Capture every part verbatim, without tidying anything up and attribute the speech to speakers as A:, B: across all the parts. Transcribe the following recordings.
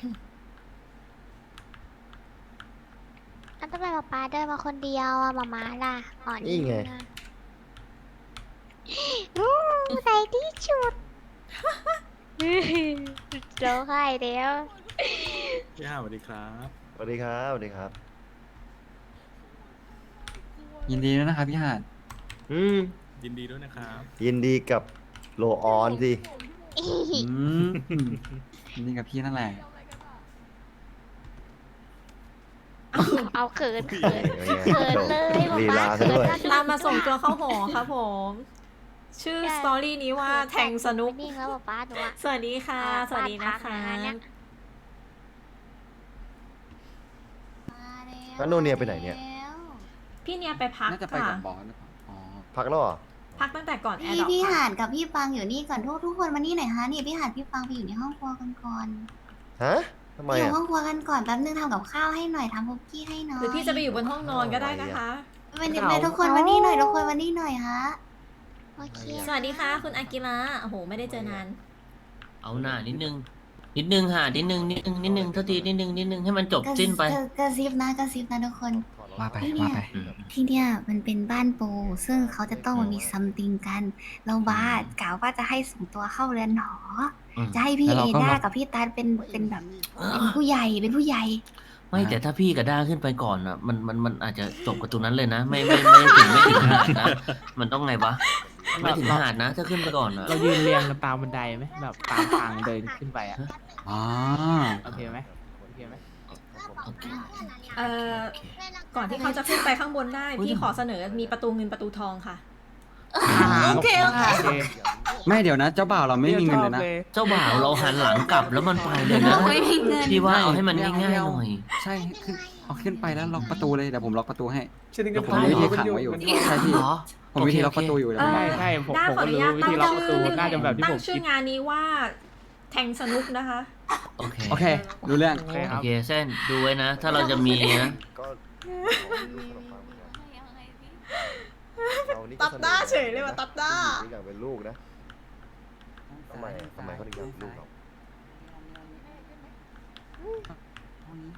A: อันทำไมป๊าป๊าเดินมาคนเดียวอะหมาม้าล่ะอ่อน
B: นี่ไง
A: อะอู้ใส่ที่ชุดร้องไห้เดียว
C: พี่ห้าสวัสดีครับ
B: สวัสดีครับสวัสดีครับ
D: ยินดีด้วยนะครับพี่หาด
B: อืม
C: ยินดีด้วยนะครับ
B: ยินดีกับโลออนสิ
D: อืมยินดีกับพี่นั่นแหละ
A: เอาเขินเขิน
B: เป็นไง
A: เขินเลยห
B: ลี
A: มา
B: ลา
A: ม้า
B: ซะด้วย
A: เขิน
E: ตามมาส่งตัวเข้าหอครับผม ชื่อสตอรี่นี้ว่าแทงสนุก
A: นิ่งแล้วป๊าป๊าหนูอะ
E: สวัสดีค่ะ สวัสดีนะคะ
B: แล้วโนเนียไปไหนเนี่ย
E: พี่เนี่ยไปพัก
D: น่าจะไป
E: ค่ะ
D: กับบอสหรือเปล่าอ๋อ
B: พักแล้วเหรอ
E: พักตั้งแต่ก่อนแอ
F: พี่
E: ร์ดรอป
F: พี่
E: ค่ะ
F: หาดกับพี่ปังอยู่นี่ก่อนทุกทุกคนมานี่หน่อยฮะนี่พี่หาดพี่ปังไปอยู่ในห้องครัวกันก่อน
B: ฮะทำไม
F: อยู่
B: อ่ะ
F: ห้องครัวกันก่อนแป๊บนึงทำกับข้าวให้หน่อยทำคุกกี้ให้หน่อย
E: หรือพี่จะไปอยู่บนห้องนอนก็ได้นะคะ
F: ไปเด็กๆทุกคนมานี่หน่อยทุกคนมานี่หน่อยฮะ
A: โอเค
E: สวัสดีค่ะ คุณอากิระโอ้โห ไม่ได้เจอนาน
G: เอาหน้านิดนึง นิดนึงค่ะนิดนึงนิดนึงนิดนึงเท่าทีนิดนึงนิดนึงให้มันจบ
F: กระ
G: สิ้นไป
F: กระกระซิบนะกระซิบนะทุกคน
D: ว่าไป
F: พี่เนี่
D: ว่าย ไป
G: อืม
F: ที่เนี่ยมันเป็นบ้านปูซึ่งเขาจะต้องมามีซัมติงกันเราบ้ากล่าวว่าจะให้ส่งตัวเข้าเรือนหอ
G: อืม
F: จะให้พี่
D: แล้ว
F: เอ
D: เราก็
F: ด้า
D: มา
F: กับพี่ตันเป็นเป็นแบบเป็นผู้ใหญ่เป็นผู้ใหญ่
G: ไม่แต่ถ้าพี่กับด้าขึ้นไปก่อนอ่ะมันมันมันอาจจะจบกับตรงนั้นเลยนะ ไม่ไม่ไม่ถึงไม่ถึงหาดนะ มันต้องไงวะไม่ถึงหาดนะ ถ้าขึ้นไปก่อนอ่ะ
H: เรายืนเรียงกันตามบันไดไหมแบบตามทางเดินขึ้นไปอ่ะ
D: อ๋อ
H: โอเคไหมโอเคไหม
G: โอเค
E: เอ่อ ก่อนที่เขาจะขึ้นไปข้างบนได้ พี่ขอเสนอมีประตูเงินประตูทองค่ะ
H: โอเคโอเค
D: ไม่เดี๋ยวนะ เจ้าบ่าวเราไม่มีเงินเลยนะ
G: เจ้าบ่าวเราหันหลังกลับแล้วมันไปเลยนะ
F: ไม่มีเงิน
G: พี่ว่าเอาให้มันง่ายๆหน่อย
D: ใช่ขึ้นเอาขึ้นไปแล้วล็อกประตูเลยเดี๋ยวผมล็อกประตูให้
H: ฉันนึก
D: เดี๋ยวผม
H: ว่า
D: มีวิธีขังไว้อยู่ใช่พี่
G: เหรอ
D: ผมมีวิธีล็อกประตูอยู่เดี๋ยวผมล็อก
H: ใช่ใช่ผม
E: ด้า
H: ผม
E: ขอ
H: ก็
E: อนุ
H: รู้
E: ญาต
H: วิ
E: ตั้
H: ธี
E: ง
H: ล็อกประตูน่าจะแบบที่
E: ตั้
H: ผ
E: ง
H: ม
E: ชื่อ
H: คิด
E: งานนี้ว่าแทงสนุกนะคะ
G: โอเค
D: โอเครู้เรื่อง
H: โอเคค
G: โอ
H: รับ
G: เคเส้นดูไว้นะ ถ้าเราจะมีนะ
B: ก็เรานี่ก็
E: ตัดหน้าเฉยเลยว่ะตัดหน้า
B: ผู้หญิงอยากเป็นลูกนะทำไมทำไมเขาถึงอยากเป็นลูกเราอืม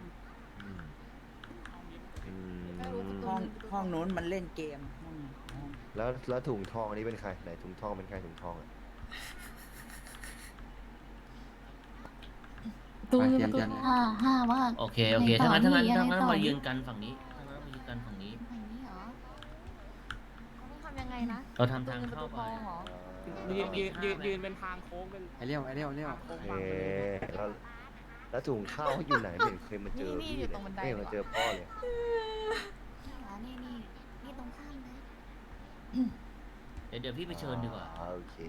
B: อืม
I: ห้องห้องนู้นมันเล่นเกมห้องห้อง
B: แล้วแล้วถุงทองอันนี้เป็นใครไหนถุงทองเป็นใครถุงทองอ่ะ
D: ไปเตรียมเตรียม
F: ห้าห้าว่า
G: โอเคโอเค
F: ไม่ต่อ
G: ถ้างั้นถ้างั้น
F: นี่
G: ถ้างั้น
F: ยังไงต่อ
G: มายืนกันฝั่งนี้ถ้างั้นมายืนกันฝั่งนี้
A: ทำยังไงนะ
G: เราทำทางเข้าไป
H: ยืนยืนยืนยืนเป็นทางโค้งเป็น
D: ไอเลี้ยวไอเลี้ยวไอเลี้ยว
H: โค้ง
B: เอ
H: บังเลย
B: แล้วแล้วถุงข้าวเขาอยู่ไหนไม่เห็นเคยมาเจอพี่เลยไม่เห็นมาเจอพ่อเลย
F: นี่นี่นี่ตรงข้ามเลย
G: เดี๋ยวเดี๋ยวพี่ไปเชิญดีกว่า
B: อ่โอเค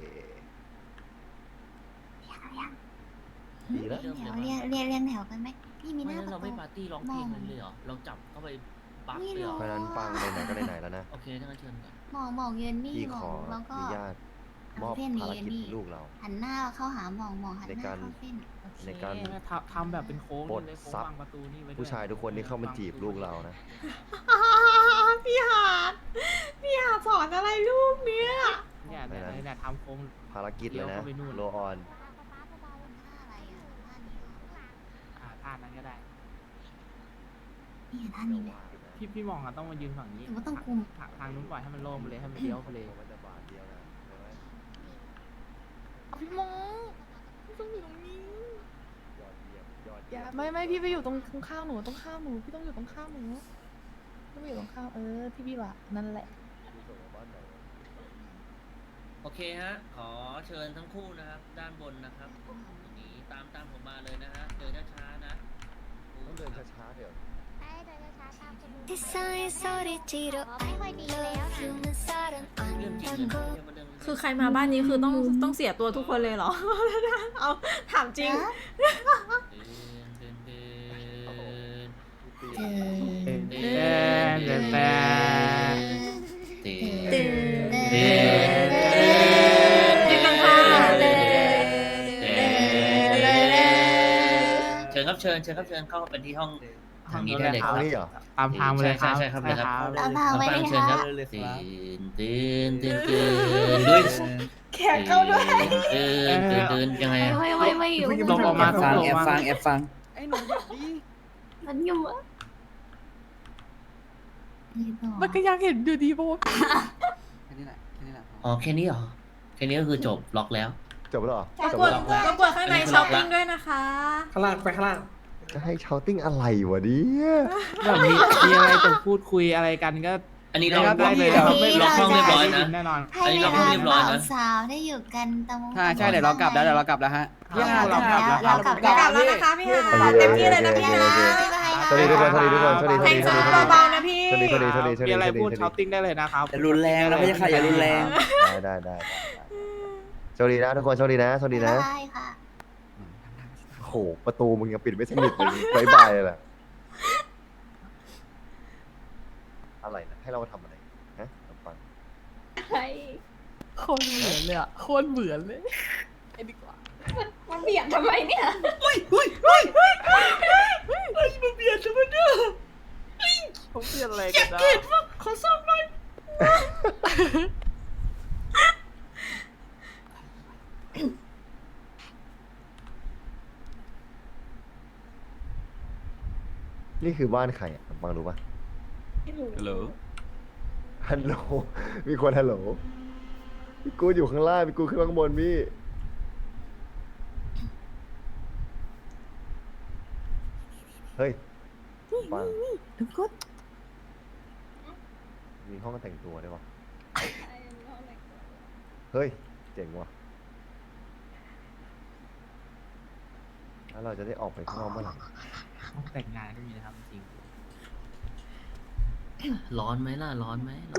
B: ดีแล้ว
F: เรียงแถวเรียงเรียงเรียงแถวกันไหมพี่มีห
G: ไม่
F: น้า
G: งั้น
F: ป
G: เรา
F: ระ
G: ไม่
F: ตู
G: ปาร์ตี้ร้องเพลงกันเลยเหรอ เราจับเข้าไปปัก
F: ไม่
G: เลยเหรอ
F: รู้
B: เพราะฉะนั้นปังไหนๆก็ไหนๆแล้วนะ
G: โอเคถ้างั้นเชิญก่อน
F: หมองหมองยืนนี่
B: พี่
F: หม
B: ข
F: อ
B: อง
F: แล้วก็
B: อนุญาตมอบ
F: เส้น
B: ภาร
F: นี้
B: กิจ
F: นี่
B: ให้ลูกเรา
F: หันหน้าเข้าหาหมองหมองหันห
B: ใน
F: น้า
B: การ
F: เข้าเส้น
B: ในการ
H: ทำทำแบบเป็นโค้ง
B: ปลด
H: เลยโค้ง
B: ซับ
H: วางประตูนี่ไว้ด้วย
B: ผู้ชายทุกคนที่เข้ามาจีบลูกเรานะ
E: พี่หาดพี่หาดสอนอะไรลูกเนี่ย
H: เนี่ยเนี่ยเนี่ยเนี่ยทำโค้ง
B: ภารกิจเลยนะ
H: เดี๋ยวเข้าไปนู่น
B: โลออน
F: ท่าอะไรอ่ะท่านี้เหรอ
H: อ่าท่านั้นก็ได้
F: นี่ท่านี้ไหม
H: พี่พี่มองอะต้องมายืนฝั่งนี้
F: หรือว่าต้องคุม
H: ทางทางนู้นปล่อยให้มันโล่งไปเลยให้มันเลี้ยวไปเลย
B: มันจะบาทเดียวนะใช่ไหม
J: พี่มงพี่ต้องอยู่ตรงนี้
B: ยอดเยี่ยมยอด
J: อ
B: เยี่
J: ย่าย
B: ม
J: ไม่ไม่พี่ไปอยู่ตรงข้างๆหนูตรงข้ามหนูพี่ต้องอยู่ตรงข้ามหนูพี่ไปอยู่ตรงข้ามเออพี่พี่วะนั่นแหละ
B: ดูส่งมาบ้านไหนวะ
G: โอเคฮะ ขอเชิญทั้งคู่นะครับ ด้านบนนะครับตรงนี้ตามตามผมมาเลยนะฮะ เดินช้าๆนะ
B: ต้องเดินช้าๆเดี๋ยว
A: ใช่เดินช้าๆตามคุณลุง
F: ที่ซอยซอยจิโร่
A: ไม่ค่อยดีแล้วนะ
G: เรื่องจริงเลยนะอย่ามาเดิน
E: คือใครมาบ้านนี้คือต้องต้องเสียตัวทุกคนเลยเหรอ เอาถามจริง
G: เดินเดินเดิน
F: เจอ
H: เต้นเต้นเต้นเต้น
G: เดิน
E: เดิน
G: เดิน
E: เดินกันค่ะเดิน
G: เชิญครับเชิญเชิญครับเชิญเข้าเป็นที่ห้องทางนี้ได้เลยค
B: ทา
G: รั
B: ง
G: บ
B: นี้เหรอ
H: ตามทางมาเลยครับ
G: ใช่ใช่ครับเลยครับ
F: เอาพาไว้
G: ฟัง
F: เลย
G: เชิญค
F: ค่ะ
G: รับตื่นตื่นตื่นตื่นด้วย
E: แขกเข้าด้วย
G: ตื่นตื่นตื่นยังไงอะ
F: ไม่ไม่ไม่อยู่
H: ลงออกมา
I: ฟัง
H: ลง
I: แอบ
H: มา
I: ฟังแอบฟังหนูแบบนี้
F: มันอยู่อะนี่ต่อ
J: มันก็ยังเห็นอยู่ดีโบ
D: แค่นี้แหละแค่นี้แหละพอ
G: อ๋อแค่นี้เหรอแค่นี้ก็คือจบล็อกแล้ว
B: จบแล้วเหรอ
E: รบ
B: จบ
E: กวน
B: แล้ว
E: รบกวนข้างในช้อปปิ้งด้วยนะคะ
H: ข้างล่างไปข้างล่าง
B: จะให้ชาวติ้งอะไรวะเนี่ย
H: แบบมีมีอะไรจะพูดคุยอะไรกันก็
G: อันนี้
H: ได้
G: ล็อก
H: ได้เลย
G: ล็อก
H: ครับไม่
G: ล็อกห้องเรียบร้อยนะ
H: แน่นอน
F: ให้
G: อันนี้
F: เว
G: เรา
F: ลา
G: เรียบร้อย
F: บ่าว
G: นะ
F: สาวได้อยู่กันตรง
I: ใช่ใช่เดี๋ยวเรากลับแล้วเดี๋ยวเรากลับแล้วฮะ
H: พี่ฮา
F: เรากลับแล้ว
H: เรา
F: เรา
H: ก
F: ก
H: ลั
F: ลั
H: บบ
E: กลับ
F: แล้ว
E: แล้วนะคะพี่ฮา
B: โอเค
E: เต็มที่เลยนะพี่
B: โอ
E: ฮา
B: เคโอเค
F: บ๊ายบาย
B: สวัสดีทุกคนสวัสดีทุกคนสวัสดี
E: แทง
B: ส
E: ซ้
B: วัสดี
E: ำเบาๆนะพี่
B: สวัสดีสวัสดีสวัสดีสวัส
H: มี
B: ดี
H: อะไร
B: สวัสดี
H: พูดช้อปปิ้งได้เลยนะครับ
I: อย่ารุนแรงนะไม่ใช่ค่ะอย่ารุนแรง
B: ได้ได้ได้สวัสดีนะทุกคนสวัสดีนะสวัสดีนะ
F: ได้ค่ะ
B: โอ้โหประตูมึงยังปิดไม่สนิทเลยบายบายเลยแหละอะไรนะให้เรามาทำอะไรฮะฟัง
J: โคนเหมือนเลยอะโคนเหมือนเลยไอ้ดีกว่า
F: มันเบียดทำไมเนี่ย
H: ผมเปลี่ยนอะไรกันนะ
B: นี่คือบ้านใครอ่ะฟังรู้ปะ
C: ฮัลโหล
B: ฮัลโหลมีคนฮัลโหลพี่กูอยู่ข้างล่างพี่กูขึ้นมาข้างบนพี่เฮ้ยฟัง
J: ทุกคน
B: มีห้องแต่งตัวด้วยวะเฮ้ยเจ๋งว่ะแล้วเราจะได้ออกไปข้างนอกเมื่อไหร่
H: ห้องแต่งงานก็มีนะครับจริง
G: ร้อนไหมล่ะร้อนไหมร้อน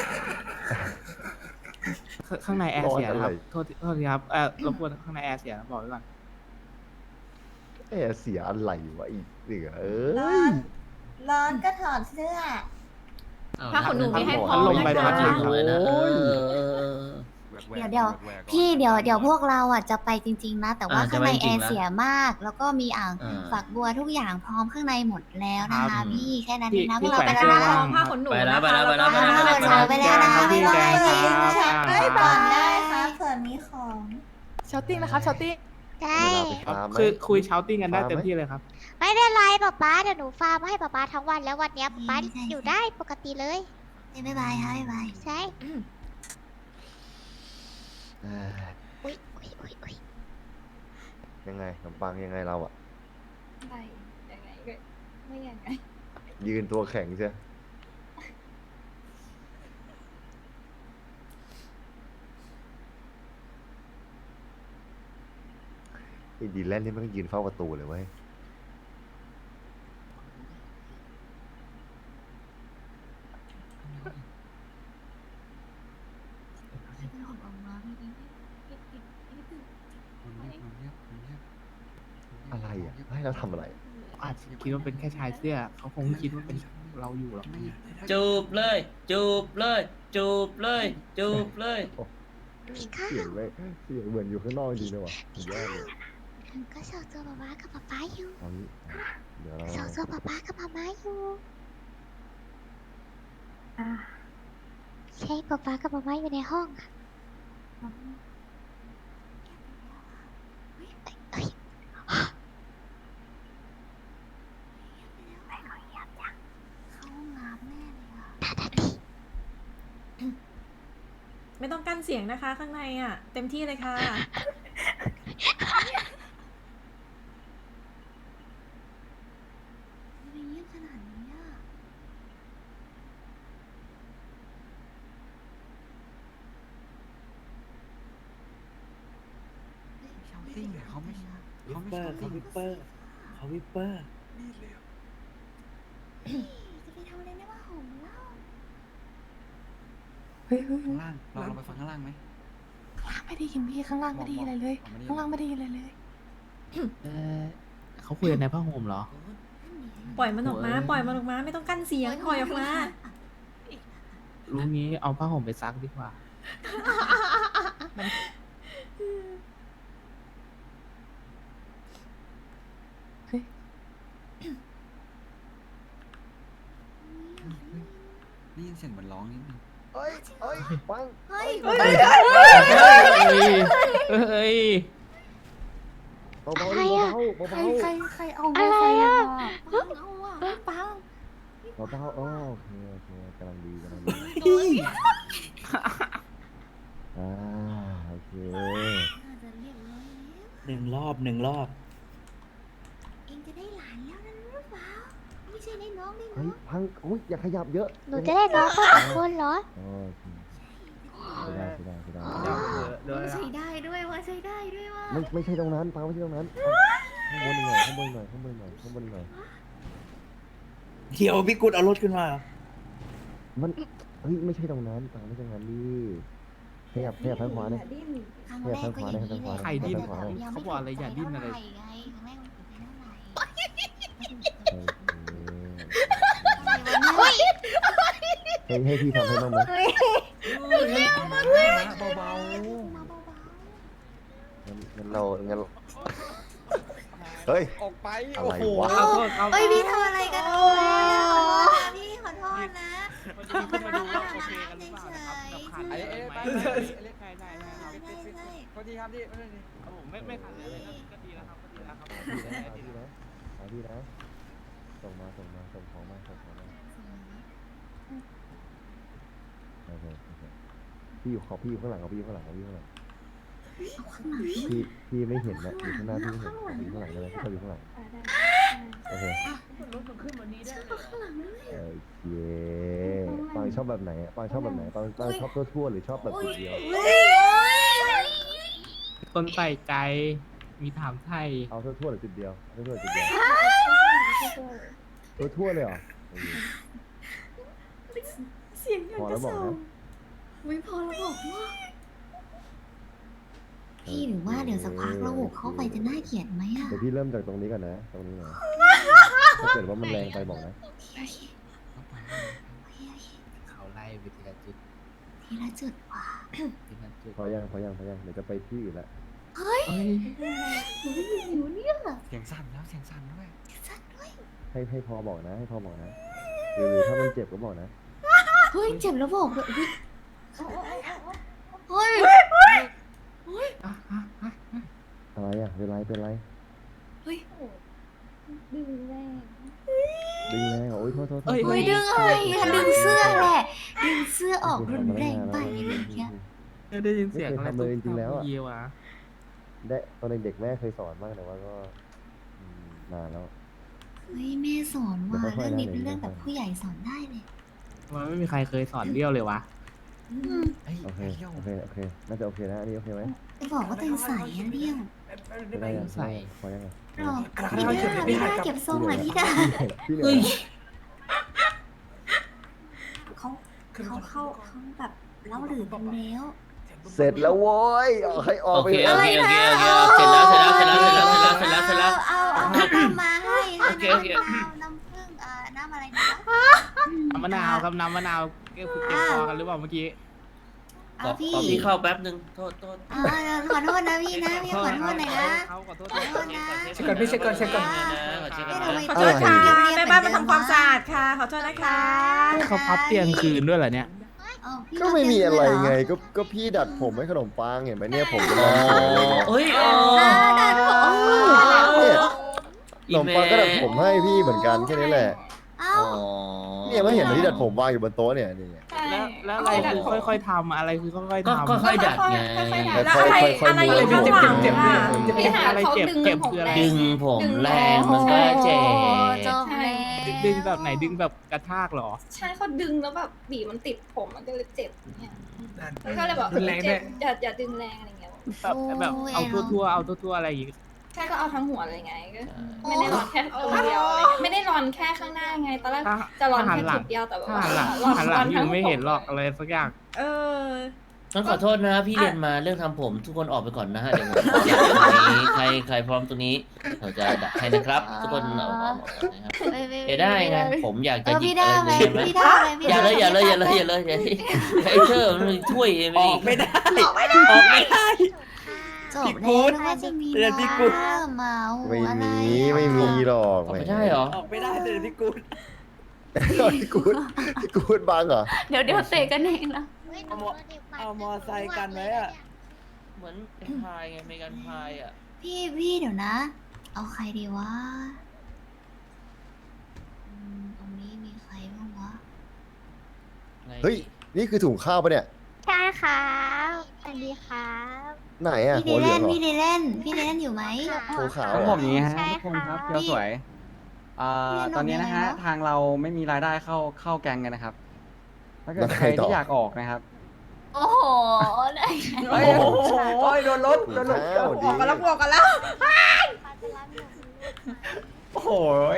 H: ข้าข้างในแอร์เสียนะครับโทษทีโทษทีครับเออรบกวนข้างในแอร์เสียนะบอกไว้ก่อน
B: เอ๊ะเสียอะไรวะอีกเหลือเอ้
F: ร้อย น ร้อนก็ถอดเสื้อ
E: ผ้าขนหนูมีให้พ
H: พั
E: อ
H: ดลม
E: นะ
H: ใบพัด
E: คะ
H: ลม
G: เลยนะเออเออเออ
F: เดี๋ยวเดี๋ยวพี่เดี๋ยวเดี๋ยวพวกเราอ่ะจะไปจริง ๆ นะ แต่ว่า
G: อ่า
F: ข้างใน
G: จะไปจ
F: แอ
G: ริงๆ
F: ร์
G: นะ
F: เสียมาก แล้วก็มีอ่าง
G: อ่า
F: ฝักบัวทุกอย่างพร้อมข้างในหมดแล้วนะ
G: ครั
F: คะ
G: บ
F: พี่แค่นั้น
H: พี่
F: เองนะพว
H: พี่
F: กเรา
H: แขวน
F: ไป
H: เสื้
F: แล้
H: อ
F: ว
H: ว่า
F: นะ
H: ง
E: ผ้าขนหนู
G: ไปแล้ว
E: นะคะ
G: ไปแล้ว
E: ก็
G: ไปแล้ว
F: ไปแล้วไปแล้วนะ
H: ครับพี่แกงครับ
F: ไปก่อนได้ครับเผื่อมีของ
J: ชอตติ้งนะครับชอตติ้ง
A: ได้
B: เวลาไปฟาร์มไหม
H: คือคุยเช้าติ้งกันได้
B: ฟาร์มไหม
H: เต็มที่เลยครับ
A: ไม่เป็นไรป๊าป๊าเดี๋ยวหนูฟาร์มให้ป๊าป๊าทั้งวันแล้ววันเนี้ยป๊าป๊าอยู่ได้ปกติเลย
F: บ๊ายบายครับบ๊ายบาย
A: ใช่
B: เอ้ย
A: อุ้ยอุ้ยอุ้ยอุ้ย
B: ยังไงขนมปังยังไงเราอะ
F: ไปยังไงก็ไม่ยังไง
B: ยืนตัวแข็งใช่ไอ้ดีแลนด์นี่มันก็ยืนเฝ้าประตูเลยเว้ย อะไรอ่ะ ให้เราทำอะไร
H: อาจจะคิดว่าเป็นแค่ชายเสื้อ เขาคงไม่คิดว่าเป็นเราอยู่หรอก
G: จูบเลย จูบเลย จูบเลย จูบเลย
A: มีข้าว
B: เสียงเลยเสียงเหมือนอยู่ข้างนอกจริงเลยว่ะสุดยอดเลย
A: ก็สองตัวป๊าป๊ากับป๊าป๊าอยู่
B: เอางี้เดี๋ยวเรา
A: สองตัวป๊าป๊ากับป๊าป๊าอยู่ใช่ป๊าป๊ากับป๊าป๊าอยู่ในห้องอะเอ้ยเอ้ย
F: เข้าห้องน้ำแน่เลยอ่ะ
E: ไม่ต้องกั้นเสียงนะคะ ข้างในอ่ะ เต็มที่เลยค่ะ
F: ไม่เงียบขนาดนี้อ่ะ
D: ชาวติ้งเนี่ยเขาไม่
I: วิ
D: เขา
I: ป
D: ไม่
I: เปอ
D: ชา
I: ร์
D: ว
I: เขา
D: ติ้ง
I: วิปเปอร์เขาวิปเปอร์
F: จะไปทำอะไรในบ้านผมเล่า
J: เฮ้ยเฮ้ย
D: ข้างล่างเราเราไปฟังข้างล่างไหม
J: ข้างล่างไม่ได้ยินพี่ข้างล่างไม่ได้ยินอะไรเลย ข้างล่างไม่ได้ยินอะไรเลย
H: เออเขาคุยกันในผ้าห่มเหรอ
E: ปล่อยมันออกมา
H: โอ้ย
E: ปล่อยมันออกมา ไม่ต้องกั้นเสียง ปล่อยออกมา
H: รู้งี้เอาผ้าห่มไปซักดีกว่า
D: ได้ยินเสียงเหมือนร้องนิดนึง
B: เอ้ยเอ้ยปัง
F: เฮ้ย
H: เฮ้ย เฮ้ย
B: เบาๆ
A: อะไร
B: ดิ
A: อะ
B: เบาๆ
F: ใคร
B: เบา
F: ใครใครเอา
A: อะไร
F: ใคร
A: อะ
F: ปังเอาอ่ะปัง
B: ๆเบาๆอ๋อโอเคโอเคกำลังดีกำลังดีอ่าโอเค
F: น่าจะเรียบร้อยแล้ว
I: หนึ่งรอบหนึ่งรอบ
F: เองจะได้หลานแล้วนะหรือเปล่าไม่ใช่ได้น้องได้
B: เฮ้
F: น้
B: ย
F: อง
B: พังอุ้ยอย่าขยับเยอะ
A: หนูจะได้น้องคนละคนเหรอ
B: โอเคใช่ได้ใช่ได้ใช่ได้
H: เดี๋ยวเดี๋ยว
F: ว่า
H: เดี๋ยว
F: ใช้ได้ด้วยว่าใช้ได้ด้วยว่า
B: ไม่ไม่ใช่ตรงนั้นปังไม่ใช่ตรงนั้นข้างบนหน่อยข้างบนหน่อยข้างบนหน่อยข้างบนหน่อย
I: เดี๋ยวพี่กุดเอารถขึ้นมา
B: มันเฮ้ยไม่ใช่ตรงนั้นปังไม่ใช่ตรงนั้นดิขยับขยับทางขวาหน่อย
F: ครั้งแรกก็อย่างนี้แหละ
B: ใครดิ้น
F: ยังไม่
H: เขาบอกอะไรอย่าดิ้นอะไร
F: เท่าหไงครั้งแรกมันเป็นเท่าไหร่
B: โอเคให้ให้พี่ทำให้บ้างไหม
I: เบา
B: งั้นงั้นเรางั้นเราเฮ้ย
I: ๆออกไป
B: อะไร
I: โอ้โห
B: วะ
H: เอาโทษเอา
F: เอ้ยพี่ทำอะไรกันเอาไว้อะขอโทษนะพี่ขอโทษนะ
H: วันนี้ขึ้นมาดูว่าโอเคกันหรือเปล่านะครับกับขัน
I: ไอ้เอ้ยไป
H: ไม่
I: ไป
H: เรียกใครได้ได้ครับ
F: ใช่ใช่
I: โทษทีครับพี่โทษที
H: ครับผมไม่ไม่ขันเลยนะก็ดีแล้วครับก็ดีแล้วครับ
B: เอาพี่นะเอาพี่นะส่งมาส่งมาส่งของมาส่งของมาโอเคโอเคพี่อยู่ขอพี่อยู่ข้างหลังเอาพี่อยู่ข้างหลังเอาพี่อยู่ข้างหลัง
F: เอาข้างหลัง
B: พี่พี่ไม่เห็นนะอยู่ข้างหน้าพี่ไม่เห็นเอาอยู่ข้างหลังเลยพี่ชอบอยู่ข้างหลังโอเค
F: เอาข้างหลังด้วย
B: โอเคปังชอบแบบไหนอะปังชอบแบบไหนปังปังชอบทั่วๆหรือชอบแบบจุดเดียว
F: เฮ้ย
H: คนใส่ใจมีถามไทย
B: เอาทั่วๆหรือจุดเดียวเอาทั่วๆหรือจุดเดียวทั่วๆเลยเหรอโอเค
F: เสียงอยาก
B: พอ
F: จะ
B: แล้วบอก
F: ส่ง
B: นะ
F: ไม่พอแล้วบอกว่าพี่หรือว่าเดี๋ยวสักพักเราบุกเข้าไปจะน่าเกลียดไหมอ่ะ
B: เดี๋ยวพี่เริ่มจากตรงนี้ก่อนนะ ตรงนี้นะถ้าเกิดว่ามันแรงไปบอกนะ
F: โอเคโอเคโอเค
H: เขาไล่ไปทีละจุด
F: ทีละจุดว่ะ
H: ทีละจุด
B: พอยังพอยังพอยังเดี๋ยวจะไปที่อื่นละ
F: เฮ้ย
H: เฮ้ย
F: หนูไม่มีหิวเนี่ย
I: เสียงสั่นแล้วเสียงสั่นด้วย
F: สัตว์ด้วย
B: ให้ให้พอบอกนะ ให้พอบอกนะหรือหรือถ้ามันเจ็บก็บอกนะ
F: เฮ้ยเจ็บแล้วบอกเลยเฮ้ย
H: อ่ะอ่ะอ่ะ
B: อะไรอ่ะเป็นไรเป็นไร
F: เฮ้ย
B: ดึงแรงเหรอโอ้ยโทษโทษโทษ
F: เฮ้ยดึงอะไรอะดึงเสื้อแหละดึงเสื้อออกรุนแรงไปอะไรอย่างเงี้ย
H: ได้ยินเสียงอะไร
B: ไม่เคยทำเลยจริงๆแล้วอะ
H: เยี่ยวอ่ะ
B: ได้ตอนเด็กๆแม่เคยสอนบ้างแต่ว่าก็อืมนานแล้ว
F: เฮ้ยแม่สอนว่า
B: เดี๋ยวค่อยๆ
F: เรื่องนี้
B: นะ
F: เป็น
B: เดี๋
F: เรื่
B: ย
F: อ
B: ว
F: ง
B: ค่
F: แบ
B: อยๆ
F: บผู้ใหญ่สอนได้เลย
H: มันไม่มีใครเคยสอนเลี้ยวเลยวะ
F: อืม
B: โอเคโอเคโอเคน่าจะโอเคนะอันนี้โอเคไหม
F: จะบอกว่าตัวเองใส่อะเรี่ยว
B: ไม่ได้ยัง
H: ใส่
B: พอยังไง
F: หรอพี่ดาพี่ดาเก็บทรงหน่อยพี่ดา
B: พี่เห
G: เฮ้
B: นื่
G: ย
B: อย
F: เขาเขาเข้าเขาแบบเล่าหรือกันแล้ว
B: เสร็จแล้วโว้ยเอาให้ออก
G: โอ
B: ไป
G: เค
B: เถ
G: โอ
B: อะ
G: เคโอเคโอเคเสร็จแล้วเสร็จแล้วเสร็จแล้วเสร็จแล้วเสร็จแล้วเสร็จแล้วเสร็จแล้ว
F: เอาเอาน้ำมาให้ค่ะ
G: โอเคโอเค
F: น้ำมะพร้าวน้ำผึ้งอ่าน้ำอะไรนะ
H: น้ำมะนาวครับน้ำมะนาวเก็บเก็บคอกันหรือเปล่าเมื่อกี้
G: ขอ
F: เอาพี่
G: ขอพี่เข้าแป๊บนึงโทษโทษ
F: อ่าขอโทษนะพี่นะพี่ขอโทษหน่อยนะ
H: เขาขอโทษ
F: ขอโทษนะ
I: เช็คก่อนพี่เช็คก่อนเช็คก่อน
G: ขอเช็คก่อน
F: ไม่ทำไม
E: ขอโทษค่ะแม่บ้านมาทำความสะอาดค่ะ ขอโทษนะคะ
H: เขาพับเตียงคืนด้วยเหรอเนี่ย
F: อ๋อพี่
B: ก็ไม่มีอะไรไงก็ก็พี่ดัดผมให้ขนมปังเห็นไหมเนี่ยผมก็
G: อ๋
B: ดั
G: อ
B: ดผมเลยเนี่ย
G: เฮ้ยอ๋อ
F: ดัดผม
B: เนี่ยขนมปังก็ดัดผมให้พี่เหมือนกันแค่นี้แหละ
F: เอ้า
G: อ๋อ
B: เนี่ยไม่เห็นเหรอที่ดัดผมวางอยู่บนโต๊ะเนี่ยนี่ไง
H: แล้วแล้วอะไรคือค่อยๆทำอะไรคือค่อยๆ
G: ก็
H: ทำ
G: ก็ค่อยดัดไง
E: แล้วอะไรอะไรอยู่ข้างหลัง
H: เจ็บ
E: อ่ะ
H: เจ็บอะไรเจ็บเจ็บคืออะไร
G: ดึงผมแรงมันก็เจ็บ
F: จบเลย
H: ดึงแบบไหนดึงแบบกระชากเหรอ
J: ใช่เขาดึงแล้วแบบบีบมันติดผมมันก็เลยเจ็บเนี่ยแล้วก็เลยบอก
I: รุนแรงด้
J: เจ็
I: วย
J: บอย่าอย่าดึงแรงอะไรเงี้ย
H: แบบแบบเอาทั่วๆเอาทั่วๆอะไรอย่างงี้
J: แค่ก็เอาทั้งหัวเลยไงก็ไม่ได้รอนแค่ตรงเดียวอะไรเงี้ยไม่ได้รอนแค่ข้างหน้าไงตอนแรก
H: ถ้า
J: จะรอน
H: ถ้าหัน
J: แค่
H: หลั
J: จุ
H: ง
J: ดเดียวแต่แบบ
H: ถ้า
J: ว่า
H: หันหลัง
J: รอน
H: หันหลังอ
J: ทั้
H: ยู่ไม่เห็นหรอก
J: ผม
H: อะไรสักอย่าง
E: เออ
G: งั้นขอโทษนะพี่เรียนมาเรื่องทำผมทุกคนออกไปก่อนนะฮะเดี๋ยวผมอยากตรงนี้ใครใครพร้อมตรงนี้เราจะดัดให้นะครับ ทุกคนเอาออกนะครับเดี๋ยวได้ไงผมอยาก
F: เอ
G: จะ
F: อ
G: หยิ
F: พี่
G: บ
F: ได้
G: อะไร
F: ไหม
G: เห็นไหม
F: พี่ได้ไหมพี่
G: อย่า
F: ได้
G: เลยอย่าเลยอย่าเลยอย่าเลยอย่าเลยไอ้เธอมันช่วยเอง
I: ออกไม่ได้ ออกไม่ได้
F: จบแล้วนึกว่าจะมี
I: เรียนพี่กุ๊ด
F: ว่าเมา
B: ไม่
F: อะไร
B: มีไม่มีหรอก
G: ออกไม่ได้เหรอ
I: ออกไม่ได้เลยพี่กุด
B: พี่กูดพี่กูดบังเหรอ
F: เดี๋ยวเดี๋ยวเตะกันเองนะ
A: เฮ้ยหนู
I: เอามอ
A: โดนด็กปัด
I: เอามอไซค์กันไว้อะ
G: เหมือนเป็นพายไงเมกันพายอ่ะ
F: พพี่พี่เดี๋ยวนะ เอาใครดีวะอืมตรงนี้มีใครบ้างวะ
B: เฮ้ย นี่คือถุงข้าวปะเนี่ย
A: ใช่ครับสวัสดีครับ
B: ไหนอ่ะ
F: พี่
B: หั
F: เด
B: วเหลื
F: เล่
B: อง
F: น
B: เหรอ
F: พี่เดเล่นพี่เดเล่นอยู่ไหม
B: หัวขาว
D: ของ
B: เหร
D: ผ
B: อ
D: มอย่างนี้ฮะ
A: ใช่
D: ทุกคนครับ
A: ค่ะ
D: เที่ยวสวยอ่า
F: เรียนออก
D: ตอนนี้นะฮะ
F: ยังไงวะ
D: ทางเราไม่มีรายได้เข้าเข้าแกงกันนะครับถ้าเกิด
B: แล้ว
D: ใค
B: ใค
D: ร
B: รต่อ
D: ที่อยากออกนะครับ
F: โอ้โหได้
D: เฮ้ยโอ้โหโดนรถ
B: ถุ
D: โด
B: ง
D: นรถ
B: ข้าว
E: อ
B: ดี
E: อกกันแล้วออกกันแล้ว
D: โอ้โห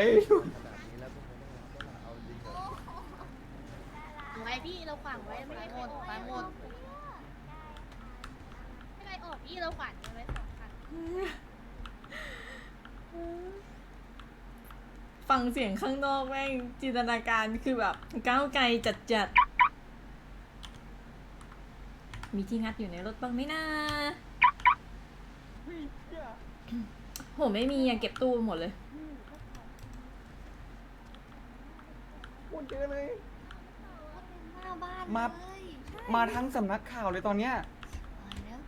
J: ไว้พี่เราขวางไว้ไม่ได้หมดไปหมดไม่ได้ออกพี่เราขวางไว้สองคัน
E: ฟังเสียงข้างนอกแม่งจินตนาการคือแบบก้าวไกลจัดจัดๆมีที่งัดอยู่ในรถบ้างไหมนะโหไม่มีอะเก็บตู้หมดเลย
D: พูดเยอะเลย
F: หน้าบ้าน
D: มา
F: เลย
D: มาทั้งสำนักข่าวเลยตอนเนี้ย
F: ตายแล้ว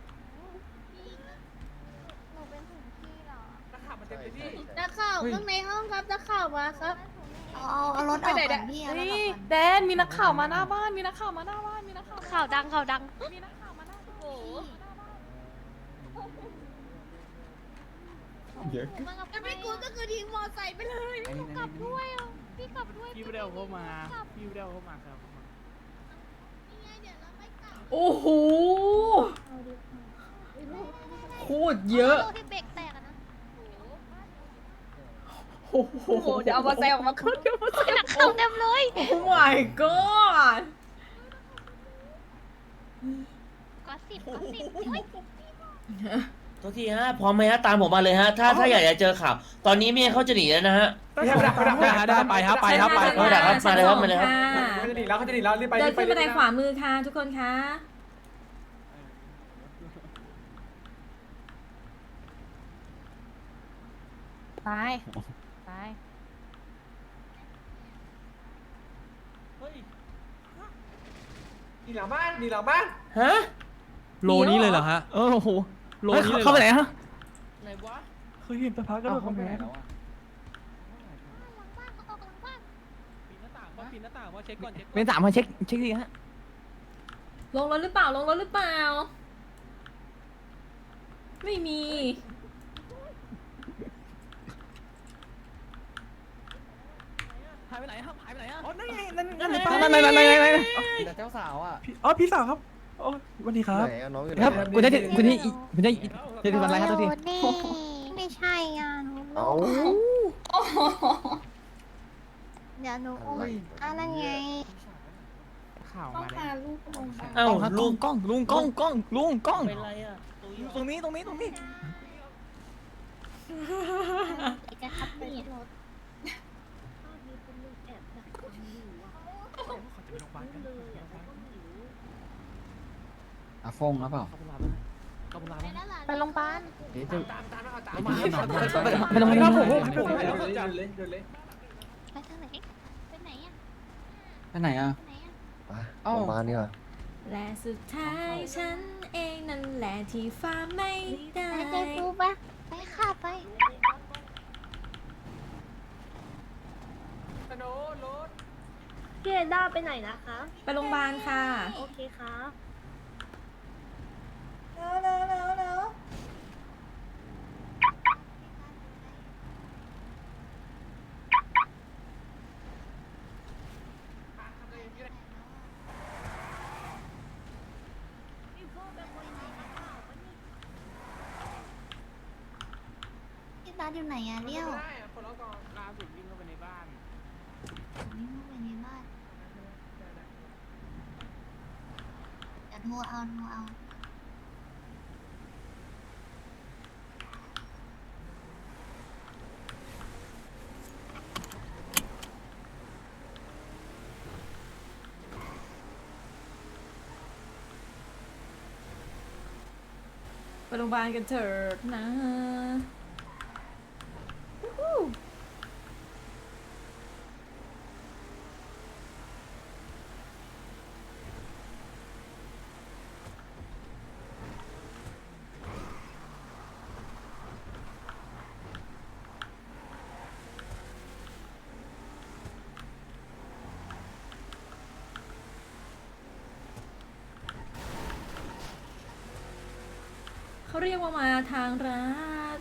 A: หนูเป็นถึงพี่เหรอ
J: นักข่าวข้างในห้องครับนักข่าวมาครับ
F: เอาเอาเอารถออกก่อนพี่เอารถออกก่อน
J: แดนมีนักข่าวมาหน้าบ้านมีนักข่าวมาหน้าบ้านมีนักข่าว
A: ข่าวดังข่าวดัง
J: มีนักข่าวมาหน้าบ้านโอ้โห
D: เยอะ
J: แล้วพี่กูก็คือทิ้งมอไซค์ไปเลย
D: ไอ้นี่ไอ้นี่
A: พี่กลับด้วย
H: พี่ไม่ได้เอาเข้ามาพี่ไม่ได้เอาเข้ามาครับ
E: โอ้โหโคตรเยอะ
A: ที่เบรกแตกอะนะ
E: โอ้โห
J: เดี๋ยวเอามอไซค์ออกมาขึ้นเดี๋ยวมอไซค์
A: หนักเข้าเต็มเลย
E: โอ้ my god
A: ก็สิบก็สิบเฮ้ย
G: โทษทีฮะพร้อมไหมฮะตามผมมาเลยฮะถ้าถ้าอยากจะเจอข่าวตอนนี้เมียเขาจะหนีแล้วนะฮะ
H: ไปครับไปครับไปครับไป
G: เออดักครับมาเลยครับมาเลยครับ
D: เขาจะหนีแล้วเขาจะหนีแล้วรีบไป
E: เดิ
D: รี
E: น
D: บไป
E: ขึ้นบันไดขวามือค่ะทุกคนคะ
J: ไปไป
D: หนีหลังบ้านหนีหลังบ้าน
G: ฮะ
H: โลนี้เลยเหรอฮะเออโอ้โหโลนี้เลยเข้าไปไหนฮะไหนวะเคยเห็นตะพักก็
D: เอา
H: โดด
D: เข้า
H: เข้า
D: ไป
H: ไป
D: ไหน
H: ไหน
D: แล้วอะ
H: ปีนหน้าต่างว่าปีนหน้าต่างว่าเช็คก่อนเช็คเป็นสามมาเช็คเช็คดีฮะ
E: ลงรถหรือเปล่าลงรถหรือเปล่า ไม่มี
H: หายไปไหนครับหายไปไหนอ่ะอ๋อนั่นไงนั่น
G: นั่
H: นั่
G: น
H: น
G: ไง
H: นั่นนั่นนั่นนั่น
D: มีแต่เจ้าสาวอ่ะ
H: อ๋อพี่สาวครับโอ้สวัสดีครับ
B: ไหนอะน้องอยู่ไหน
H: ครับ
B: อะ
H: คุณได้คุณได้คุณได้เจ็ดสิบวันไรครับตัวที
A: นี่ไม่ใช่อ่ะหนู
B: เอ้า
A: เดี๋ยวหนูอุ้ม
B: อะไร
A: อะไรไง
H: ข่าว
J: ต้อง
H: มา
J: พา
H: แล้ว
J: ลูกลงไป
G: เอ้า
H: ลุ
G: ลู
H: ง
G: ก
H: กล้องลุงกล้องกล้องลุงกล้อง
G: เป็นไรอ่ะ
H: ตรงนี้ตรงนี้ตรงนี้
A: จะขับนี่
D: อาฟงหรือเปล่า
J: ไปโรงพยาบาล
D: เดี๋ยวจะ
H: ไปตรงนี้ครับผม
A: ไปทางไหนไปไหนอ่ะ
D: ไปไหนอ่ะ
A: ไปไหนอ่ะ
B: ไป
D: เอ้า
B: โรงพยาบาลดีกว่า
E: และสุดท้ายฉันเองนั่นแหละที่ฟ้าไม่ได้
A: ไปใจปูปะไปค่ะไป
J: พี่เอด้าไปไหนนะคะ
E: ไปโรงพยาบาลค่ะ
J: โอเคครับ
F: พี่ตาอยู่ไหนอะเลี้ยว
H: คนละก่อนล่าสุดวิ่งเข้าไปในบ้าน
F: นี่มึงไปในบ้านเดี๋ยวโทรเอาโทรเอา
E: ไปโรงพยาบาลกันเถิดนะเขาเรียกว่ามาทางรัฐ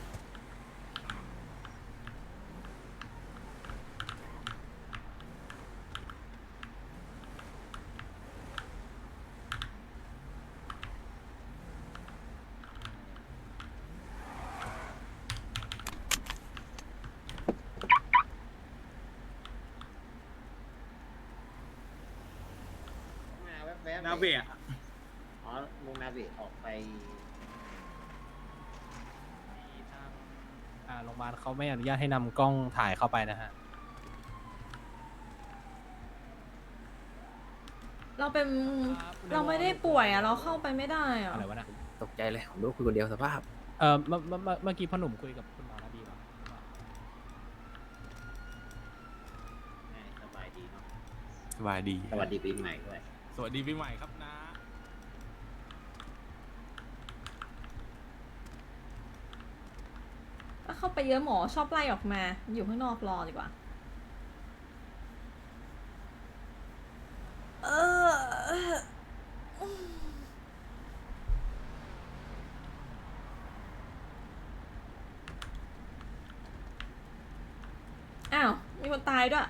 C: นาเบะ
G: อ๋อลงนาเบะออกไป
H: อ่าโรงพยาบาลเขาไม่อนุญาตให้นำกล้องถ่ายเข้าไปนะฮะ
E: เราเป็นเราไม่ได้ป่วยอะเราเข้าไปไม่ได้อะ
H: อะไรวะนะ
I: ตกใจเลยผมรู้คุยคนเดียวสภาพ
H: เออเมื่อเมื่อเมื่อเมื่อกี้พ่อหนุ่มคุยกับคุณหมอนาบีมา
G: สบายดีเนาะ
C: สบายดี
G: สวัสดีปีใหม่ด้วย
C: สวัสดีปีใหม่ครับนะ
E: ถ้าเข้าไปเยอะหมอชอบไล่ออกมา อยู่ข้างนอกรอดีกว่า เอออ้าว มีคนตายด้วย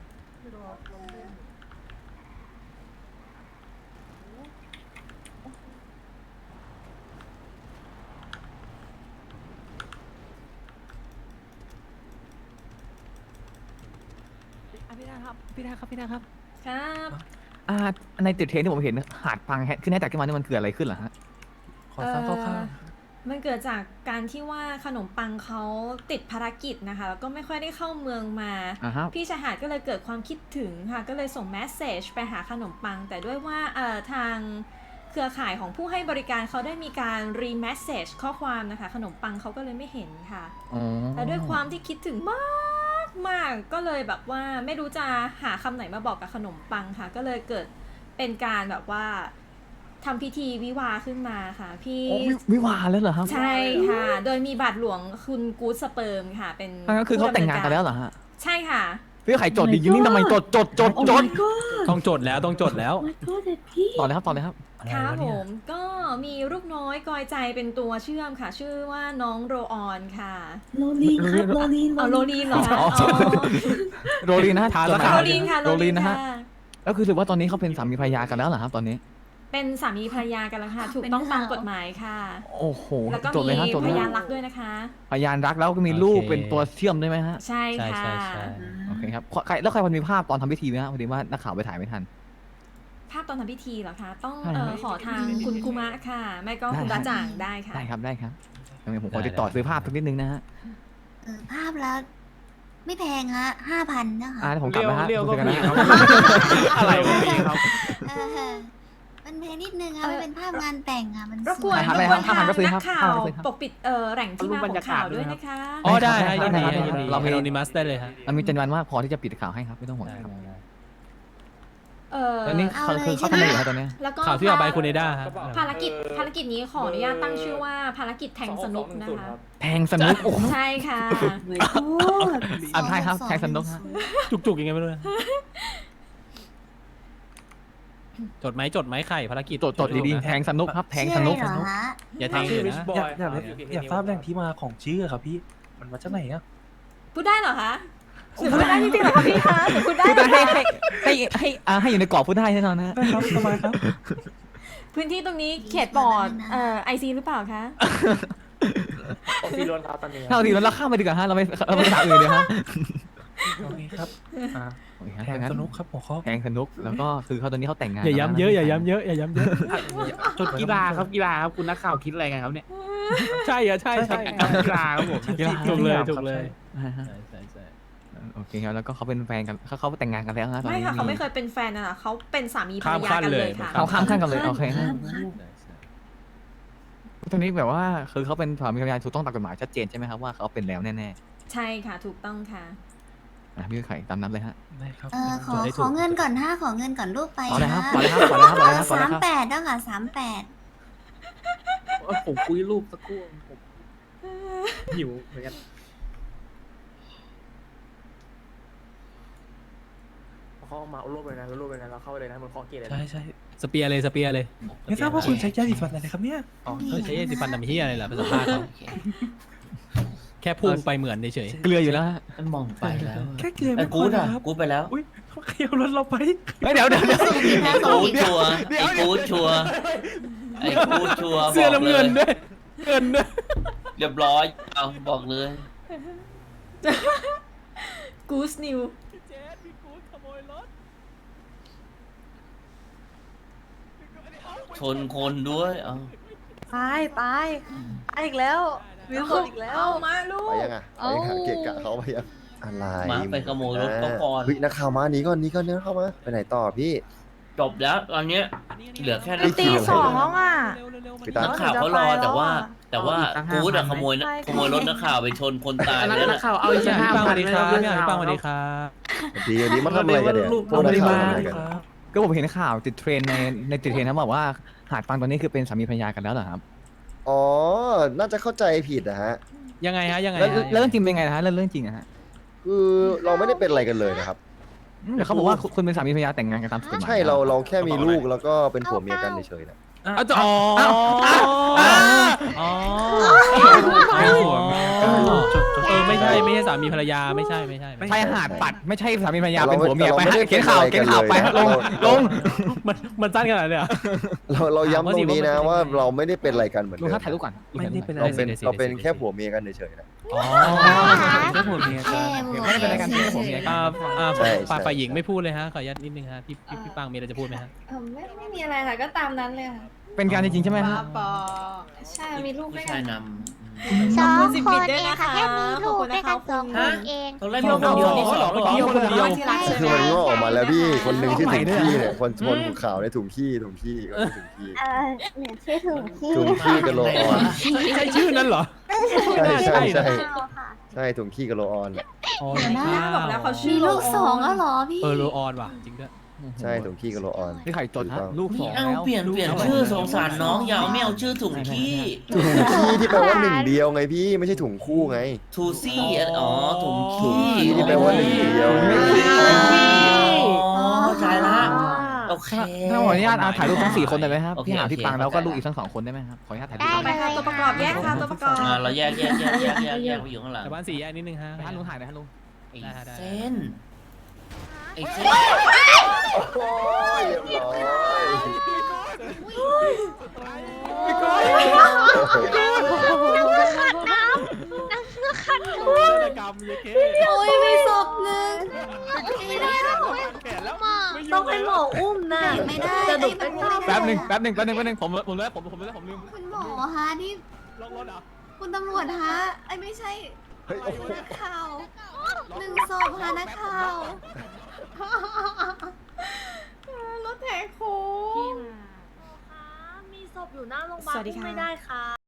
K: พี่นาครับ พี่นาครับ พี่นาครับ
E: ครับ
K: อ่า ในติดเทรนที่ผมเห็นหาดพังแฮะขึ้นให้จากที่มานี่มันเกิดอะไรขึ้นเหรอฮะ ขอทราบคร่าว
E: เอ่อมันเกิดจากการที่ว่าขนมปังเขาติดภารกิจนะคะ แล้วก็ไม่ค่อยได้เข้าเมืองมา
K: ๆอ่าฮะ
E: พี่ชายหาดก็เลยเกิดความคิดถึงค่ะ ก็เลยส่งแมสเซจไปหาขนมปัง แต่ด้วยว่าเอ่อทางเครือข่ายของผู้ให้บริการเขาได้มีการรีแมสเซจข้อความนะคะ ขนมปังเขาก็เลยไม่เห็นค่ะ
K: อ๋อ
E: แต่ด้วยความที่คิดถึงมากมากก็เลยแบบว่าไม่รู้จะหาคำไหนมาบอกกับขนมปังค่ะ ก็เลยเกิดเป็นการแบบว่าทำพิธีวิวาห์ขึ้นมาค่ะ พี่
K: โอ้วิวิวาห์แล้วเหรอครับ
E: ใช่ค่ะ โดยมีบาทหลวงคุณกู๊ดสเปิร์มค่ะ เป็น
K: นั่นก็คือเขาแต่งงานกันแล้วเหรอฮะ
E: ใช่ค่ะ
K: พี่ไข่จดดิยินนี่ทำไมจดจดจดจด
H: ต้องจดแล้วต้องจดแล้ว
K: ต่อเลยครับต่อเลยครับ
E: ค่ะผมก็มีลูกน้อยกอยใจเป็นตัวเชื่อมค่ะ ชื่อว่าน้องโรออนค่ะ
K: โรลีนครับโรลีน
E: เอาโรลีนเหรอคะ
K: อ๋อ
E: อ๋อ
K: โรลีนนะฮะ
H: ทาน
K: จ
H: แล้ว
K: ดหมาย
E: โรลีนค่ะ
K: โรลีนนะฮะ
E: ค่
K: แล้วคือถือว่าตอนนี้เขาเป็นสามีภรรยากันแล้วเหรอครับตอนนี้
E: เป็นสามีภรรยากันแล้วค่ะ ถูกต้องตามกฎหมายค่ะ
K: โอ้โห
E: แล้วก็
K: จดเลย
E: มี
K: ฮะจด
E: พ
K: เลย
E: ยาน
K: ฮะ
E: รักด้วยนะคะ
K: พยานรักแล้วก็มีลูก
H: โอเค
K: เป็นตัวเชื่อมด้วยไหมฮะ
E: ใช่
H: ใช่
E: ค่ะ
H: ใช่ใช่
K: โอเคครับใครแล้วใครพอมีภาพตอนทำพิธีไหมฮะพอดีว่านักข่าวไปถ่ายไม่ทัน
E: ภาพตอนทำพิธีเหรอคะ ต้อง
K: ใช่
E: เอ
K: ครั
E: อบ ขอทางคุณคุมะค่ะ ไม่ก็คุณ
K: ได้
E: บาจ่างได้ค่ะ
K: ได้ครับได้ครับงั้นผมขอติดต่อซื้อภาพสักนิดนึงนะฮะ
F: เออภาพแล้ว ไม่แพงฮะห้าพันนะคะ
K: อ่าผมกลับนะฮะ
H: เรียว
K: คุยกัน
H: ก็
K: นะ
H: มีครับ อะไรวะพี่ครับ
F: เออมันแพงนิดนึงค่ะมันเป็นภาพงานแต่งอ่ะ มัน
E: รบกวน
F: ส
E: ร
F: ย
E: บกวน
K: ห้า
E: ทาง
K: พันก็ซื้อ
E: นั
K: ครั
E: ก
K: บ
E: ข่า
K: ห้าว พันก็ซื้อครับ
E: ปกปิดเอ่อแหล่งที่มาของข่าวด้วยนะคะ
H: อ๋อได้ฮะ
K: ได้
H: ยิน
K: ได้
H: ดี
K: ได้
H: ยินดี
K: เรามี
H: โนนิมัสได้เลยฮะ
K: เรามีจำนวนมากพอที่จะปิดข่าวให้ครับไม่ต้องห่วง
H: ได้
K: ครับ
H: ได้ได้
E: เออ
K: ตอนนี้เขาคือเขาทำอะไรอยู่ครับตอนนี้
E: แล้วก็
H: ข่าวที่ออกไปคุณเอด้าฮะ
E: ภารกิจภารกิจนี้ขออนุญาตตั้งชื่อว่าภารกิจแทงสนุกนะคะ
K: แทงสนุกโอ้โห
E: ใช่ค่ะ
K: อ่ะใช่ครับแทงสนุกฮะ
H: จุกๆยังไงไม่รู้นะจดไหมจดไหมไข่ภารกิจ
K: จดจดดีๆแทงสนุกครับแทงสนุก
F: ชื่ออะไรเหรอฮะ
H: อย่าแทงเลยนะ
I: อยากอยากอยากทราบแหล่งที่มาของชื่อครับพี่ มันมาจากไหนอ่ะ
E: พูดได้เหรอคะหรือพูดได้จริงๆเหรอคะพี่คะหรือพูดได้
K: พูด
E: เหร
K: ได้
E: อ
K: ให้
E: คะ
K: ให้ให้ให้อ่าให้อยู่ในกรอบพูดได้แน่นอนนะ
I: ได้ครับสบายครับ
E: พื้นที่ตรงนี้เขตบอร์ดเอ่อไอซีหรือเปล่าคะ
I: ผมพี่ล้วนครับตอนนี้
K: ถ้าเอาทีแล้วเราข้ามไปดีกว่าฮะเราไปเราไปถามอื่นเดี๋ยวฮะ
I: โอเคครับอ่า
K: โอเคครับ
I: แทงสนุกครับหัวข้อ
K: แทงสนุกแล้วก็คือเขาตอนนี้เขาแต่งงาน
H: อย่าย้ำเยอะอย่าย้ำเยอะอย่าย้ำเยอะ
I: จดกีฬาครับกีฬาครับคุณนักข่าวคิดอะไรกันครับเนี่ย
H: ใช่เหรอใช่ใช่
I: กีฬาครับผม
H: ถูกเลยถูกเลย
K: อ่าฮะ
H: ใช่ใช่ใช่
K: โอเคครับแล้วก็เขาเป็นแฟนกันเขาเขาแต่งงานกันแล้วนะตอน
E: ไม่
K: นี้
E: ค่ะเขาไม่เคยเป็นแฟนนะเขาเป็นสามีภรรยากันเลยค่ะ
K: เขาข้ามขั้นกันเลยโอเคฮะ
H: ใช่ใช่
K: ตอนนี้แบบว่าคือเขาเป็นสามีภรรยาถูกต้องตามกฎหมายชัดเจนใช่ไหมครับว่าเขาเป็นแล้วแน่
E: ใช่ค่ะถูกต้องค่ะ
K: ๆอ่ะพี่ไข่ตามนั้นเลยฮะ
I: ได้ครับ
F: เออขอขอเงินก่อนห้าขอเงินก่อนลูกไป
K: ต่อเลยครับ
F: นะ
K: ต่อเลยครับต่อเลยครับต่อเลยครับต่อเลย
F: สาม
K: ครับ
F: แปดแล้วค่ะสามแปด
I: ผมคุยรูปสักครู่ผมหิวเหมือนกันเขาเอามาเอารูปเลยนะแล้วรูปเลยนะเราเข้าเลยนะมันเคาะเกตเลยนะ
H: ใช่ใช่สเปียร์เลยสเปียร์เลยไม่ทราบว่าคุณใช้ยาสีฟันอะไรครับเนี่ยอ๋อใช้ยาสีฟันดำเฮียอะไรล่ะภาษาบ้านเขา
G: โอเค
H: แค่พุ่งไปเหมือนเฉย
K: เกลืออยู่แล้วฮะ
G: มันมองไปแล้ว
H: แค่เกลือ
G: ไอ้
H: ไม่พ
G: กู
H: อ
G: ดอ่ะ
H: นะครับ
G: กูดไปแล้ว
H: อุ้ยเขาเคี่ยวรถเราไป
K: เฮ้ยเดี๋ยวเดี๋ยวเดี๋ยว
G: ไอ้กูดชัวร์ไอ้กูดชัวร์ไอ้กูดชัวร์
H: เสื้อ
G: บอก
H: น้ำ
G: เล
H: เงิ
G: ย
H: นด้วยเงินด้วย
G: เรียบร้อยเอาบอกเลย
E: กูสนิว
H: เจ๊พี่กูขโมยรถ
G: ชนคนด้วยเอา
J: ตายตายตายอีกแล้ววิวตกอีกแล้ว
E: เอามาลู
B: ไป
E: ก
B: ยังอ่ะไปยังอะเกะกะเขาไปยังอะไร
G: หมาไปขโมยรถเขาก่อน
B: เฮ้ยนักข่าวมาหนีก่อนหนีก่อนเนี่ยเข้ามาไปไหนต่อพี่
G: จบแล้วตอนเนี้ยเหลือแค่นัก
J: ตี
G: ข่าว
J: สองแล้วอ่ะ
B: ไปตาม
G: นักข่าวเขารอแต่ว่า แต่ว่ากูดอะขโมยนะขโมยรถนักข่าวไปชนคนตาย
I: อัน
G: ไป
I: นั้น
G: แล้ว
I: นัก
G: น่ะ
I: ข่าวเอาอีก
H: พี่
I: ห้า
H: ปังส
I: พั
H: วัน สดีครับพี่ปังสวัสดีครับ
B: ดีวันนี้มาทำอะไรกันเนี่ยพวกนักข่าวทำอะไรกัน
K: ก็ผมเห็นข่าวติดเทรนในในติดเทรนนะบอกว่าหาดฟังตอนนี้คือเป็นสามีภรรยากันแล้วเหรอครับ
B: อ๋อ น่าจะเข้าใจผิดนะฮะ
H: ยังไงฮะยังไง
K: แล้ว
H: ฮะ
K: แล้วเรื่องจริงเป็นไงนะฮะเรื่องเรื่องจริงอะฮะ
B: คือเราไม่ได้เป็นอะไรกันเลยนะครับ
K: แต่เขาบอกว่าคุณเป็นสามีภรรยาแต่งงานกันตามกฎหมาย
B: ใช่เราเราแค่มีลูกแล้วก็เป็นผัวเมียกันเฉยๆนะ
H: เอาจะอ๋ออ๋อเออไม่ใช่ไม่ใช่สามีภรรยาไม่ใช่ไม่ใช่
K: ใช่หาดปัดไม่ใช่สามีภรรยา
B: เรา
K: เป็นผัวเมียไป
B: เราไม่
K: ฮะ
B: ได้
K: เขียนข่าว
B: เป็น
K: เขียนข่าวไป
B: อะไรกัน
K: ลง
B: เลย
K: ลง
H: มันมันสั้นขนาดเลยเหรอ
B: เราเราย้ำตรงนี้นะว่าเราไม่ได้เป็นอะไรกันเหมือน
K: ลุง
B: เดิ
K: ครับ
B: ม
K: ถ่ายรูปก่อน
H: ไม่ได้เป็น
B: เราเป็นเราเป็นแค่ผัวเมียกันเฉยๆนะ
H: อ๋อ
F: แค่ผัวเมีย
K: ไม่ได้เป็นอะไรกันแค่ผัวเมียกัน
H: อ่าอ่า
B: ใช่ใช่
H: ฝ่ายฝ่ายหญิงไม่พูดเลยฮะขออนุญาตนิดนึงฮะพี่พี่พี่ปังมีอะไรจะพูดไหมฮะ
J: เออไม่ไม่มีอะไรค่ะก็ตามนั้นเลยค่ะ
K: เป็นการจริงๆใช่ไหมฮะ
J: ใช่มีลูก
G: ผู้
J: ด้วย
G: ชา
J: กั
G: ย
J: น
G: น
A: สอง
E: ขอบคุณสิบ
A: ค
E: บิ
A: น
E: ตด้วย
A: เอง
E: นะคะ
A: ค่ะแค่มีลูก
E: ขอบคุณ
A: ด้วย
E: นะคะ
A: กันสองคนเอง
G: ำตอนแรกมีคนเดียวนี่สอง
H: เที่ยวคนเดียว
J: ที่รัก
B: คือมันงอกออกมาแล้วพี่คนหนึ่งชื่อถุงขี้เนี่ยคนคนถุงขาวในยถุงขี้ถุงขี้ก็คือถุงขี้
A: เออเหมือนชื่อถุงขี้
B: ถุงขี้กับโลออน
H: ใช่ชื่อนั้นเหรอ
B: ใช่ใช่ใช่
A: ค่ะ
B: ใช่ถุงขี้กับโลออน
H: อ๋อ
E: บอกแล้วเขาชื่
F: มี
E: อ
F: ลูกสองแล้วเหรอพี่
H: เออโรออนว่ะจริงด้วย
B: ใช่ถุงขี้กับโลออน
K: นี่ไข่จดฮะลูกส
G: นี่
K: อง
G: เอา
K: แล้ว
G: เปลี่ยนเปลี่ยนชื่อสงสารน้องอย่าเอาไม่เอาชื่อถุงขี้
B: ถุงขี้ที่แปลว่าหนึ่งเดียวไงพี่ไม่ใช่ถุงคู่ไง
G: ทูซี่อ๋อถุง
B: ถุง
G: ขี้
B: ขี้ที่แปลว่าหนึ่งเดียว
G: อ๋อเข้าใจละโอเค
K: ถ้าขออนุญาตเอาถ่ายรูปทั้งสี่คนได้ไหมครับ
G: โอเค
K: พี่หา
G: โอเค
K: พี่ปังแล้วก็
G: เข้าใจ
K: ลูกอีกทั้งสองคนได้ไหมครับขออนุญาตถ่ายรูป
A: ได้
E: ไปค่ะตัวประกอบแยกค่ะตัวประกอบ
G: อ่าเราแยกแยกแยกแยกแยกแยกไปอยู่ข้างหลัง
H: แต่บ้านสี่แยกนิดนึงฮะ
K: ท่านลุงถ่ายหน่อยท่านลุง
G: ไอ้
H: ได้ได้
G: เส้นไอ้เส้น
B: โอ้ยเรียบร้อย
H: กรรมเยเค
J: โอ้ยมีศพหนึ่งไม่ได้
H: แขนแล้ว
J: ต้องให้หมออุ้มนะ
F: ไม่ได้
J: จะดุ
F: ไอ้มันไม่ได้
K: แป๊บหนึ่งแป๊บหนึ่งแป๊บหนึ่งแป๊บหนึ่งผมผมเลยผมผมเลยผมลืม
F: คุณหมอฮะนี่
H: ลงรถเหรอ
F: คุณตำรวจฮะไอ้ยไม่ใช่
B: เฮ้ยโอ้โห
F: นักข่าวหนึ่งศพฮะนักข่าว
E: รถแหกโค้ง
J: มีศพอยู่หน้าโรงพยาบาล
E: สวัสดีค่ะ
J: ไม่ได้ค่ะ